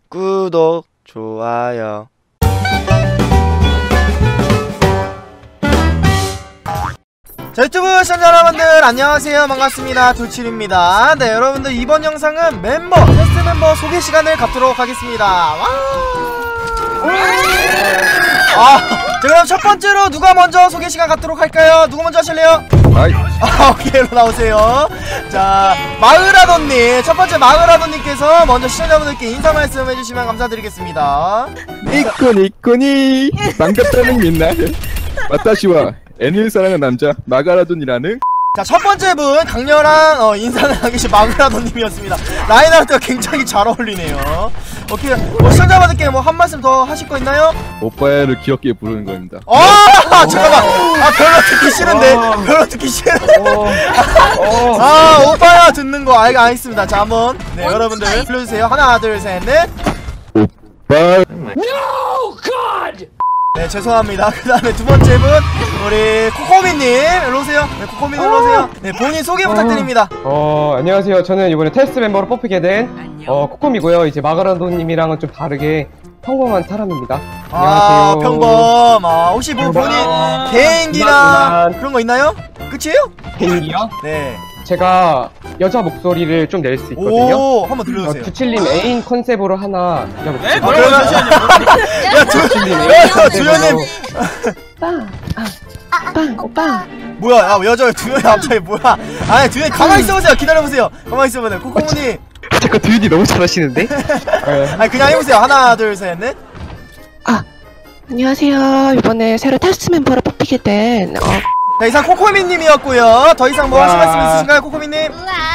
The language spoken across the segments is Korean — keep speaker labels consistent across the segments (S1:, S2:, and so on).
S1: 구독, 좋아요. 자, 유튜브 시청자 여러분들 안녕하세요. 반갑습니다. 돌칠입니다. 네, 여러분들 이번 영상은 테스트 멤버 소개 시간을 갖도록 하겠습니다. 와! 자, 그럼 첫 번째로 누가 먼저 소개 시간 갖도록 할까요? 누구 먼저 하실래요? 오케이, 일로 나오세요. 자, 마그라돈님, 첫 번째 마그라돈님께서 먼저 시청자분들께 인사 말씀 해주시면 감사드리겠습니다.
S2: 이코니 반갑다는 민날 와타시와 애니를 사랑하는 남자 마가라돈이라는.
S1: 자, 첫 번째 분 강렬한 인사를 하계신 마그라돈님이었습니다. 라인하르트가 굉장히 잘 어울리네요. 오케이, 시청자분들께 뭐 한 말씀 더 하실 거 있나요?
S2: 오빠야를 귀엽게 부르는 겁니다.
S1: 잠깐만, 별로 듣기 싫은데, 별로 듣기 싫은데. 오빠야 듣는 거 알겠습니다. 자, 한번 여러분들 불러주세요. 하나, 둘, 셋, 넷.
S2: 오빠.
S3: No, God!
S1: 네, 죄송합니다. 그 다음에 두 번째 분 우리 코코미님 일로 오세요. 네, 코코미님 일로 오세요. 네, 본인 소개 부탁드립니다.
S4: 안녕하세요. 저는 이번에 테스트 멤버로 뽑히게 된 코콤이고요. 이제 마가라돈님이랑은 좀 다르게 평범한 사람입니다. 안녕하세요.
S1: 평범. 혹시 뭐 본인 개인기나 그런 거 있나요? 끝이에요?
S4: 개인기요?
S1: 네.
S4: 제가 여자 목소리를 좀 낼 수 있거든요.
S1: 오, 한번 들려주세요.
S4: 두칠님 애인 컨셉으로 하나
S3: 네?
S4: 그러면
S1: 두현님.
S5: 오빠.
S1: 뭐야, 여자 두현이 갑자기 뭐야? 아니, 두현이 가만히 있어보세요. 기다려보세요. 가만히 있어보세요. 코코모니.
S4: 잠깐 두윤이 너무 잘하시는데?
S1: 아니, 그냥 해보세요. 하나, 둘, 셋, 넷.
S5: 안녕하세요. 이번에 새로 테스트 멤버로 뽑히게 된
S1: 자, 이상 코코미님이었고요. 더 이상 뭐 하실 말씀 있으신가요, 코코미님?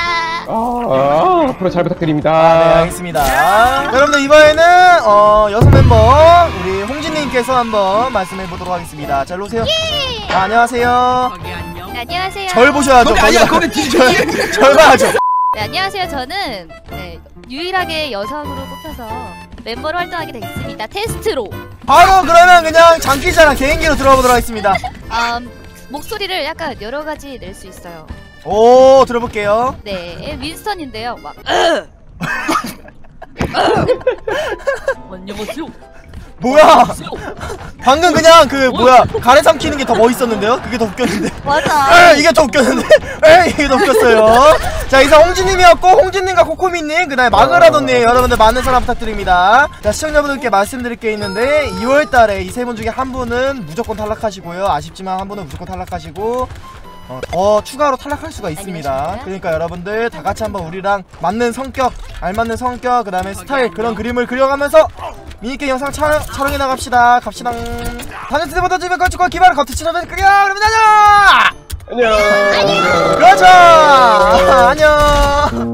S4: 앞으로 잘 부탁드립니다.
S1: 네, 알겠습니다. 여러분들 이번에는 여성 멤버 우리 홍진님께서 한번 말씀해보도록 하겠습니다. 자, 일로 오세요. 안녕하세요.
S6: 네, 안녕하세요.
S1: 절 보셔야죠.
S3: 거기
S1: 절 봐야죠.
S6: 네, 안녕하세요. 저는 유일하게 여성으로 뽑혀서 멤버로 활동하게 됐습니다. 테스트로.
S1: 바로 그러면 그냥 장기자랑 개인기로 들어보도록 하겠습니다.
S6: 목소리를 약간 여러 가지 낼 수 있어요.
S1: 오, 들어볼게요.
S6: 네, 윈스턴인데요. 막 안녕하세요.
S1: 뭐야? 방금 그냥 가래 삼키는 게 더 멋있었는데요? 그게 더 웃겼는데.
S6: 맞아.
S1: 이게 더 웃겼는데? 이게 더 웃겼어요. 자, 이상 홍진님이었고, 홍진님과 코코미님, 그 다음에 마그라돈님, 여러분들 많은 사랑 부탁드립니다. 자, 시청자분들께 말씀드릴 게 있는데 2월달에 이 세 분 중에 한 분은 무조건 탈락하시고요. 아쉽지만 한 분은 무조건 탈락하시고 더 추가로 탈락할 수가 있습니다. 그러니까 여러분들 다 같이 한번 우리랑 맞는 성격, 알맞는 성격, 그 다음에 스타일, 그런 그림을 그려가면서 미니게임 영상 촬영해 나갑시다. 갑시다. 다른 세대보다 주변 걸치고 기반을 겉으치려면 끓여. 그러면 안녕.
S4: 안녕.
S1: 그렇죠. 안녕.